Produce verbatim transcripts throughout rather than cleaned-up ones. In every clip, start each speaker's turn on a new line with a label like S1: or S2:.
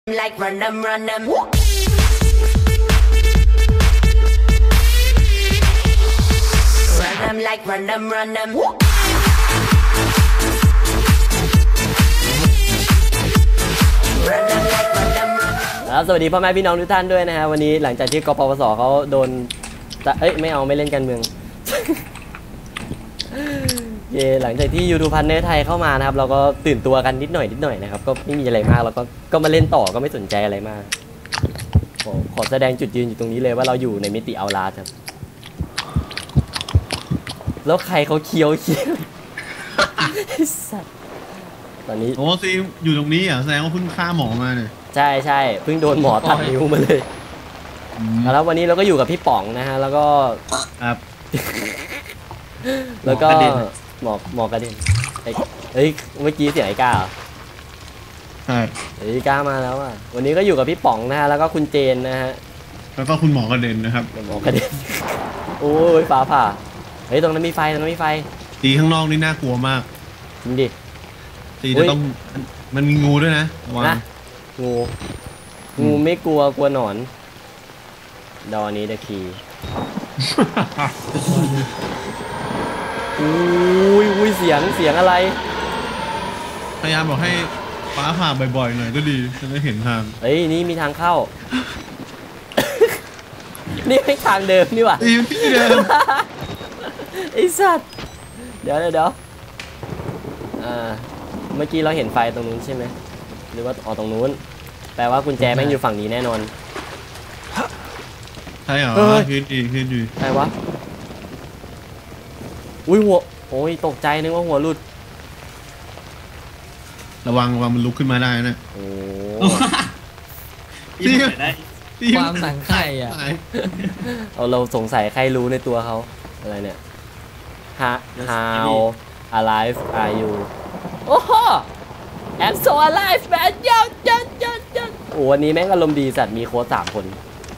S1: like run them, run them. Run them like run them, run them.
S2: ครับสวัสดีพ่อแม่พี่น้องทุกท่านด้วยนะฮะวันนี้หลังจากที่กปปสเขาโดนเอ้ยไม่เอาไม่เล่นการเมือง เย่หลังจากที่ยูทูบพันเนอร์ไทยเข้ามานะครับเราก็ตื่นตัวกันนิดหน่อยนิดหน่อยนะครับก็ไม่มีอะไรมากแล้วก็ก็มาเล่นต่อก็ไม่สนใจอะไรมากขอขอแสดงจุดยืนอยู่ตรงนี้เลยว่าเราอยู่ในมิติเอาลาครับแล้วใครเขาเคี้ยวเคี้ยวสัตว์ตอนนี้
S3: โอ้ซีอยู่ตรงนี้อ่ะแสดงว่าเพิ่งฆ่าหมอมาเนี่ย
S2: ใช่ใช่เพิ่งโดนหมอตัดนิ้วมาเลยแล้ววันนี้เราก็อยู่กับพี่ป๋องนะฮะแล้วก็
S3: ครับ
S2: แล้วก็หมอหมอกระเด็นเฮ้ยเมื่อกี้เสียงไอ้ก้าเหรอ
S3: ใช่
S2: ไอ้ก้ามาแล้วอ่ะวันนี้ก็อยู่กับพี่ป๋องนะฮะแล้วก็คุณเจนนะฮะ
S3: แล้วก็คุณหมอกระเด็นนะครับ
S2: หมอกระเด็นโอ้ยฟ้าผ่าเฮ้ยตรงนั้นมีไฟตรงนั้นมีไฟ
S3: ตีข้างนอกนี่น่ากลัวมาก
S2: จริงดิ
S3: ตีจะต้องมันมีงูด้วยนะ
S2: นะงูงูไม่กลัวกลัวหนอนดอนี้เดอะคีอุ้ยอุ้ยเสียงเสียงอะไร
S3: พยายามบอกให้ฟ้าผ่าบ่อยๆหน่อยก็ดีจะได้เห็นทาง
S2: เฮ้ยนี่มีทางเข้า นี่ไม่ทางเดิมนี่หว่า
S3: ที่เดิม
S2: ไอ้สัตว์เดี๋ยวเดี๋ยวอ่าเมื่อกี้เราเห็นไฟตรงนู้นใช่ไหมหรือว่าอ๋อตรงนู้นแปลว่ากุญแจแม่งอยู่ฝั่งนี้แน่นอน
S3: ใช่เหรอคือดีคือดี
S2: ใช่วะอุ้ยหัวโอ้ยตกใจนึกว่าหัวหลุด
S3: ระวังระวังมันลุกขึ้นมาได้นะ
S2: โอ้
S3: ตี
S4: ได้
S5: ความสังไข่อ่ะ
S2: เอาเราสงสัยใครรู้ในตัวเขาอะไรเนี่ย How alive are you โอ้โห I'm so alive man ยัดยัดยัดยัดโอ้วันนี้แม่งอารมณ์ดีสัตว์มีโค้ชสามคน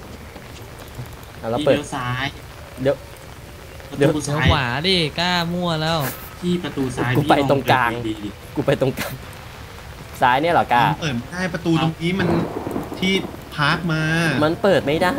S4: แล้วเปิดซ้าย
S2: เดี๋ยว
S5: เดี๋ยวขวาดิกล้ามั่วแล้ว
S4: ที่ประตูซ้าย
S2: กูไปตรงกลางกูไปตรงกลางซ้ายเนี่ยเหรอกล้า
S3: เปิดได้ประตูตรงนี้มันที่พาร์คมา
S2: มันเปิดไม่ได้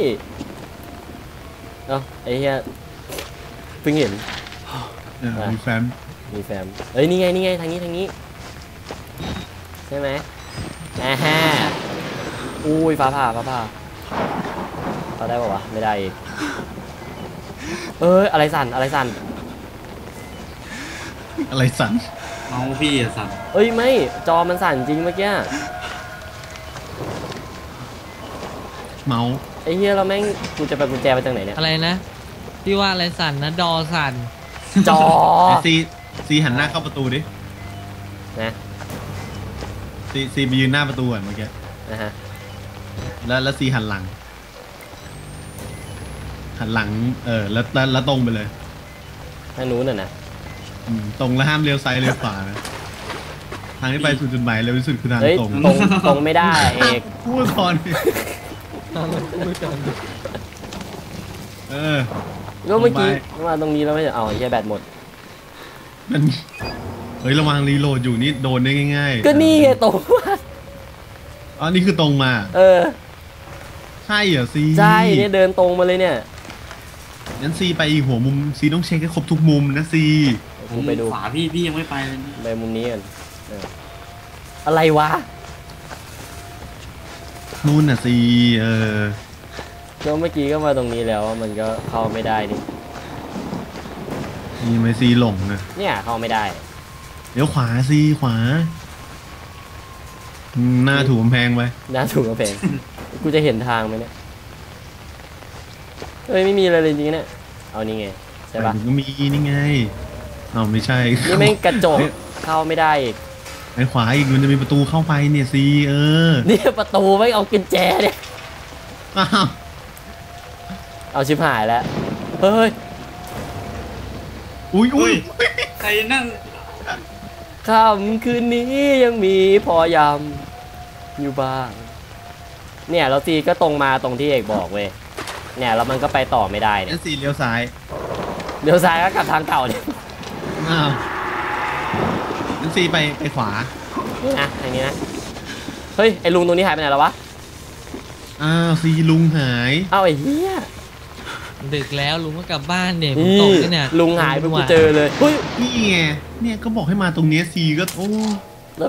S2: เอ้าไอ้เหี้ยเพิ่งเห็น
S3: มีแฟม
S2: มีแฟมเอ้ยนี่ไงนี่ไงทางนี้ทางนี้ใช่ไหมอ่าฮะอุ้ยฟ้าผ่าฟ้าผ่าเขาได้ป่าวะไม่ได้อีกเอ้ยอะไรสั่นอะไรสั่น
S3: อะไรสั่น
S4: เมาส์พี่อะสั่น
S2: เอ้ยไม่จอมันสั่นจริงเมื่อกี้
S3: เมาส์
S2: ไอ้เหี้ยเราแม่งกูจะไปกุญแจไปจากไหนเนี่ย
S5: อะไรนะพี่ว่าอะไรสั่นนะดอสั่น
S2: จอ
S3: ซีซีหันหน้าเข้าประตูดิ
S2: นะ
S3: ซีซีไปยืนหน้าประตูก่อนเมื่อกี้
S2: นะฮะ
S3: แล้วแล้วซีหันหลังหันหลังเออแล้วแล้วตรงไปเลย
S2: ทางนู้นน่ะนะ
S3: ตรงแล้วห้ามเลี้ยวซ้ายเลี้ยวขวานะทางที่ไปสู่จุดหมายเร็วที่สุดคือทางตรง
S2: ตรงตรงไม่ได้เอก
S3: พูดก่อนเออ
S2: ก็เมื่อกี้มาตรงนี้แล้วไม่เอาใช้แบตหมด
S3: มันเฮ้ยระวังรีโหลดอยู่นี่โดนได้ง่าย
S2: ๆก็นี่ไงตรง
S3: อ๋อนี่คือตรงมา
S2: เออ
S3: ใช่เหรอซี
S2: ใช่เนี่ยเดินตรงมาเลยเนี่ย
S3: งั้นซีไปหัวมุมซีต้องเช็คให้ครบทุกมุมนะซี
S2: ผมไปดู
S4: ขวาพี่พี่ยังไม่ไปเลย
S2: ไปมุมนี้กันอะไรวะ
S3: นู่นน่ะซีเออ
S2: ก็เมื่อกี้ก็มาตรงนี้แล้วมันก็เข้าไม่ได้นี่
S3: นี่ไม่ซีหลงนะ
S2: เนี่ยเข้าไม่ได้
S3: เดี๋ยวขวาซีขวาหน้าถูกกำแพงไป
S2: หน้าถูกกำแพงกูจะเห็นทางไหมเนี่ยเฮ้ยไม่มีอะไรเลยจริงๆเนี่ยเอานี่ไงใช่ปะ
S3: ก็มีนี่ไงอ้าวไม่ใช่
S2: นี่ไม่กระจกเข้าไม่ได้อีก
S3: ไอ้ขวาอีกมันจะมีประตูเข้าไปเนี่ยซีเออ
S2: นี่ประตูไม่เอากุญแจเนี่ย
S3: อ้าว
S2: เอาชิบหายแล้วเฮ้ย
S3: อุ้ยอุ้ย
S4: ใครนั่ง
S2: ค่ำคืนนี้ยังมีพอยำอยู่บ้างเนี่ยแล้วซีก็ตรงมาตรงที่เอกบอกเว้ยเนี่ยแล้วมันก็ไปต่อไม่ได้เนี่ย
S3: ซีเลี้ยวซ้าย
S2: เลี้ยวซ้ายก็กลับทางเก่าเนี่ย
S3: อ้าวนั่นซีไปไปขวา
S2: นี่นะทางนี้นะเฮ้ยไอ้ลุงตรงนี้หายไปไหนแล้ววะ
S3: อ้าวซีลุงหาย
S2: เอ้าไอ้เหี้ย
S5: ดึกแล้วลุงก็กลับบ้านเนี่ยผม
S2: นี่
S5: ตกแล้วเนี่ย
S2: ลุงหายไปกูเจอเลยเฮ้ย
S3: นี่ไงเนี่ยก็บอกให้มาตรงเนี้ยซีก็โอ้
S2: แล้ว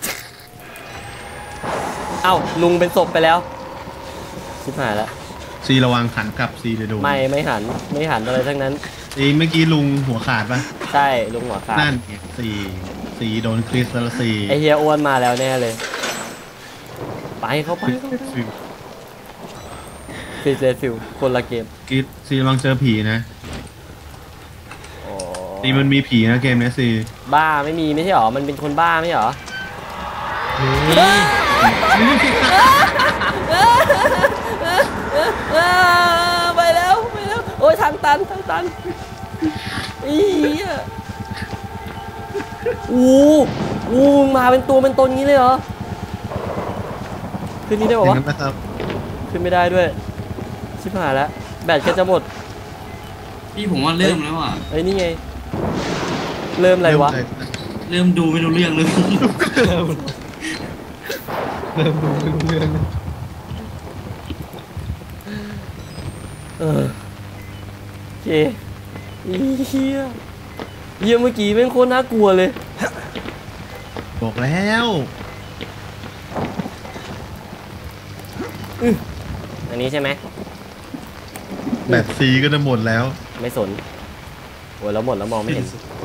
S2: เอ้าลุงเป็นศพไปแล้วชิบหายแล้ว
S3: ซีระวังขันกลับซีเลยโดน
S2: ไม่ไม่หันไม่หันอะไรทั้งนั้น
S3: ซีเมื่อกี้ลุงหัวขาดปะ
S2: ใช่ลุงหัวขาด
S3: นั่นไงซีซีโดนคริสแล้วซี
S2: ไอเฮียอ้วนมาแล้วแน่เลย ไปเข้าไป
S3: คริสฟิล
S2: ฟิเซฟิลคนละเกม
S3: คริสซีระวังเจอผีนะ
S2: อ๋อ
S3: ซีมันมีผีนะเกมเนี้ยซี
S2: บ้าไม่มีไม่ใช่หรอมันเป็นคนบ้าไม่ใช่หรอ ไปแล้วไปแล้วโอ้ยทางตันทางตันอีอ่ะอู้อู้มาเป็นตัวเป็นตนงี้เลยเหรอขึ้นนี้ได้
S3: อ
S2: ป่า
S3: ย่าง
S2: วะ
S3: นั้นนะครับ
S2: ขึ้นไม่ได้ด้วยชิบหายแล้วแบตก็จะหมด
S4: พี่ผมว่าเริ่มแล้วอ่ะ
S2: เอ้ยนี่ไงเริ่มอะไรวะ
S4: เริ่มดูไม่รู้เรื่องเลย
S3: เริ่มดูไม่รู้เรื่อง
S2: เออโอเคอีเหี้ยเหี้ยเมื่อกี้แม่งโคตรน่ากลัวเลย
S3: บอกแล้ว
S2: อันนี้ใช่ไหม
S3: แบบซีก็จะหมดแล้ว
S2: ไม่สนโอ้ยแล้วหมดแล้วมองไม่เห็น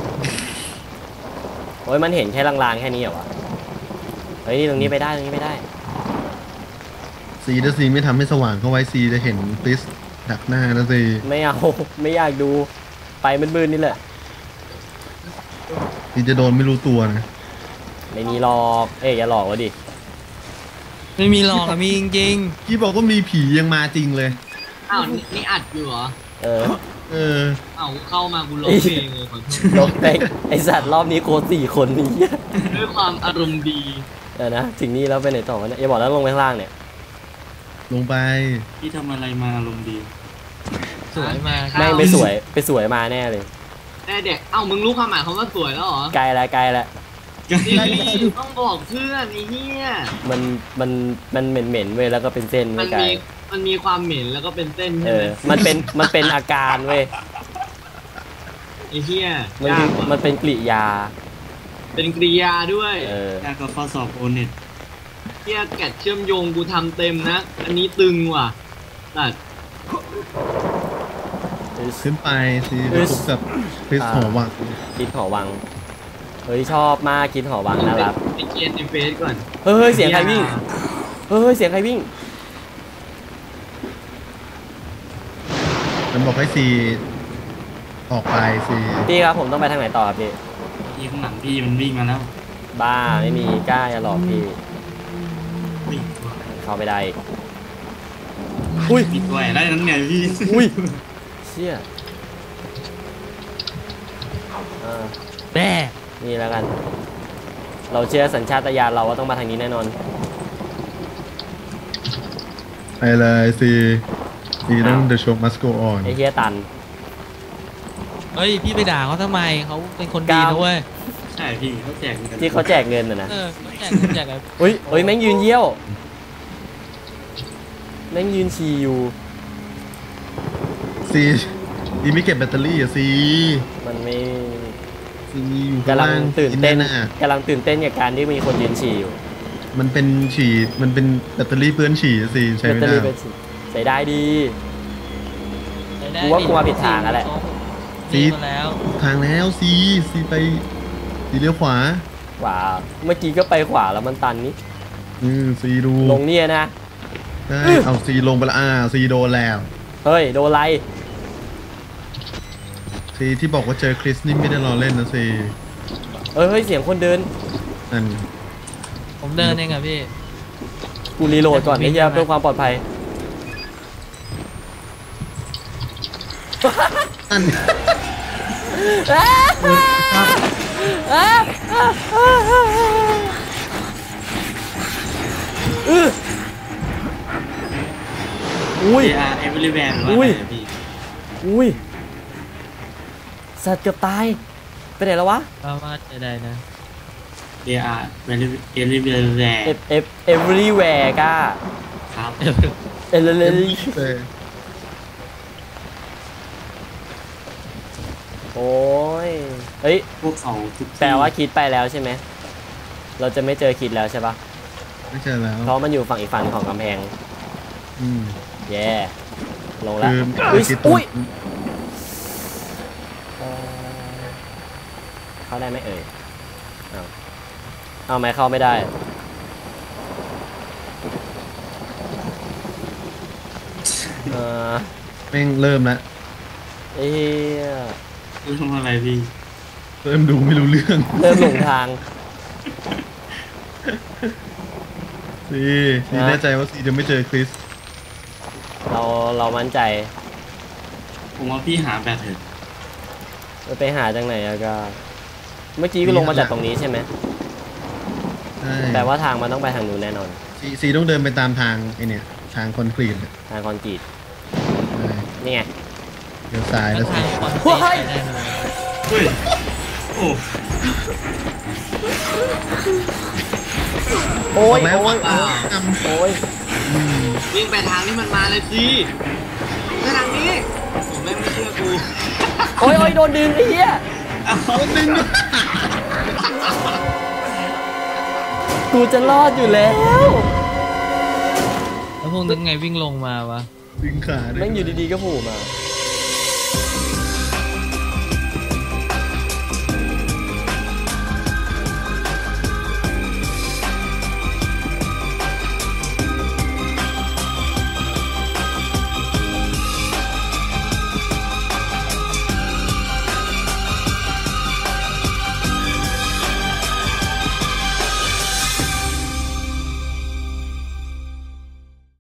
S2: โอ้ยมันเห็นแค่ลางๆแค่นี้เหรอวะเฮ้ยตรงนี้ไปได้ตรงนี้ไปได้
S3: ซีถ้าซีไม่ทำให้สว่างเข้าไว้ซีจะเห็นคริสดักหน้านะซี
S2: ไม่เอา ไม่อยากดูไปมืดๆนี่แหละ
S3: ซีจะโดนไม่รู้ตัวนะ
S2: ไม่มีหลอกเอ้ยอย่าหลอกวะดิ
S5: ไม่มีหรอกอะมีจริง
S3: พี่บอกว่ามีผียังมาจริงเลย
S6: อ้าวนี่นี่อัดอยู่เหรอ
S2: เออ
S3: เออ
S6: อ้าวเข้ามากูร้องเพลงเลยขอโทษ
S2: ลงไปไอสัตว์รอบนี้โคตรสี่คนนี้
S6: ด้วยความอารมณ์ดี
S2: เออนะถึงนี่แล้วไปไหนต่อวะเนี่ยอย่าบอกแล้วลงไปข้างล่างเนี่ย
S3: ลงไป
S4: พี่ทำอะไรมาอารมณ์ดี
S5: ๆสวยมาก
S2: แม่งไปสวยไปสวยมาแน่เลย
S6: แน่เด็กเอ้ามึงรู้ความหมายคำว่าสวยแล้วเหรอ
S2: ไกลละไกลละ
S6: นี่ต้องบอกเพื่อนไอ้เหี้ย
S2: มันมันมันเหม็นเหม็นๆเว้ยแล้วก็เป็นเส้น
S6: มั
S2: ไม่
S6: น
S2: ไกล
S6: มีมันมีความเหม็นแล้วก็เป็นเส้น
S2: เอ
S6: ใช่ไห
S2: อ
S6: ม
S2: มันเป็นมันเป็นอาการเว้ย
S6: ไอ้เหี้ย
S2: มัน
S6: ยา
S2: คื
S6: ก
S2: อ
S6: ว่ะ
S2: มันเป็นกริยา
S6: เป็นกริยาด้วย
S2: เออ
S4: ยากกับข้อสอบโอเน็ต
S6: เหี้ยแกะเชื่อมโยงกูทำเต็มนะ อันนี้ตึงว่ะตัด
S3: ขึ้นไปซีไปพบกับคริสหอวัง
S2: กินหอวังเฮ้ยชอบมากกินหอวังนะครับ
S6: ไปเกียนในเฟซก่อน
S2: เฮ้ยเสียงใครวิ่งเฮ้ยเสียงใครวิ่ง
S3: มันบอกให้ซีออกไปซี
S2: พี่ครับผมต้องไปทางไหนต่อครับพี่
S4: พี่ข้างหลังพี่มันวิ่งมาแล้ว
S2: บ้าไม่มีกล้าอย่าหลอกพี่
S4: วิ่ง
S2: เข้าไปได้อุ้ย
S4: ปิดไว้ได้นั้นไงพี่
S2: อุ้ยเชี่ยอ่า
S5: แม่
S2: นี่แล้วกัน เราเชื่อสัญชาตญาณเราว่าต้องมาทางนี้แน่นอน
S3: ไปเลยซีซีต้อง The show must go on
S2: ไอ้เฮียตัน
S5: เฮ้ยพี่ไปด่าเขาทำไมเขาเป็นคนดีนะเว้ย
S4: ใช่พี่เขาแจกกัน
S2: ที่เขาแจกเงินน่ะนะ
S5: เออแจกแจกอะไร
S2: อุ้ยเฮ้ยแม่งยืนเยี่ยวแม่งยืนฉี่อยู่
S3: ซีซีไม่เก็บแบตเตอรี่อะซี
S2: มันไม่
S3: ซีอยู่
S2: กำลัง
S3: ข้าา
S2: ตื่นเต้น
S3: น่ะ
S2: กำลังตื่นเต้นกับการที่มีคนยืนฉี่อยู่
S3: มันเป็นฉี่มันเป็นแบตเตอรี่เปื้อนฉี่อะซีใช้
S2: แบต
S3: ไม่
S2: เตอ
S3: ได้
S2: รี่เป็นฉี่ใส่ได้ดี
S5: ได้
S2: กูว่ากูมาผิดทางแล้วแหละ
S5: ซีมาแล้ว
S3: ทางแล้วซีซีไปซีเลี้ยวขวา
S2: ขวาเมื่อกี้ก็ไปขวาแล้วมันตันนี่
S3: อืมซีดู
S2: ลงเนี่ยนะ
S3: ได้เอาซีลงไปละอ่าซีโดนแล้ว
S2: เฮ้ยโดนไร
S3: ซีที่บอกว่าเจอคริสนี่ไม่ได้รอเล่นนะซี
S2: เอ้ยเฮ้ยเสียงคนเดิน
S3: นั่น
S5: ผมเดินเองอะพี่
S2: กูรีโหลดก่อนไอ้เหี้ยเพื่อความปลอดภัย
S3: นั่น
S2: อุ้ย
S4: เออาร์เอเวอร์แวนว่า
S2: อุ้ย
S4: ไงพี่
S2: อุ้ยสัตว์เกือบตายไปไหนแล้ววะ
S5: ก็ว่าจะได้นะ
S4: เออาร์เวลิเอลิเวลแวร์
S2: เอฟเอฟ everywhere ก้า
S4: ครับ
S2: เอเลเล
S3: เออ
S2: โอ้ยเฮ้ย
S4: พวกเขาทุกที่
S2: แปลว่าคิดไปแล้วใช่ไหมเราจะไม่เจอคิดแล้วใช่ปะ
S3: ไม่ใช่แล้ว
S2: เพราะมันอยู่ฝั่งอีกฝั่งของกำแพง
S3: อืม
S2: แย่ลงแล้ว
S3: คือ
S2: อุ้ย
S3: คิด
S2: อุ้ยเอ่อเข้าได้ไหมเอ่ยเอาเอาไหมเข้าไม่ได้เออ
S3: แม่งเริ่มแล้ว
S2: เอ้ย
S4: เรื่องอะไรพี่
S3: เริ่มดูไม่รู้เรื่อง
S2: เริ่มหลงทาง
S3: ซีซีแน่ใจว่าซีจะไม่เจอคริส
S2: เราเรามั่นใจ
S4: ผมว่าพี่หาแบตเถอะ
S2: ไปหาจากไหนอะก็ เมื่อกี้ก็ลงมาจากตรงนี้ใช่ไหม
S3: ใช่
S2: แปลว่าทางมันต้องไปทางนู้นแน่นอน
S3: ซีซีต้องเดินไปตามทางไอเนี่ย ทางคอนกรีตเนี่ย
S2: ทางคอนกรีต
S3: ใช่
S2: นี่ไง
S3: เดี๋ยวซ้าย
S5: แล้
S3: แล้ว ว
S5: ทา
S3: ซี
S5: งคอน
S2: โอ้
S5: เซ็ป
S2: ย
S5: ต์ได้เลย
S4: เฮ้ยโอ้
S2: โอ้
S3: บอย กแล้ว
S2: โอ้
S3: ว่าย ท
S2: โอ้ย
S3: ำอืม
S6: วิ่งไปทางที่มันมาเลยสิไปทางนี้ผมแม่งไม่เชื่อกู
S2: โอ้ยโอ้ยโดนดึงไอ้เหี้ย
S3: เอาดึง
S2: กูจะรอดอยู่แล้ว
S5: แล้วพวกนึกไงวิ่งลงมาวะ
S3: ดึงขาด้วย
S2: แม่งอยู่ดีๆก็โผล่มา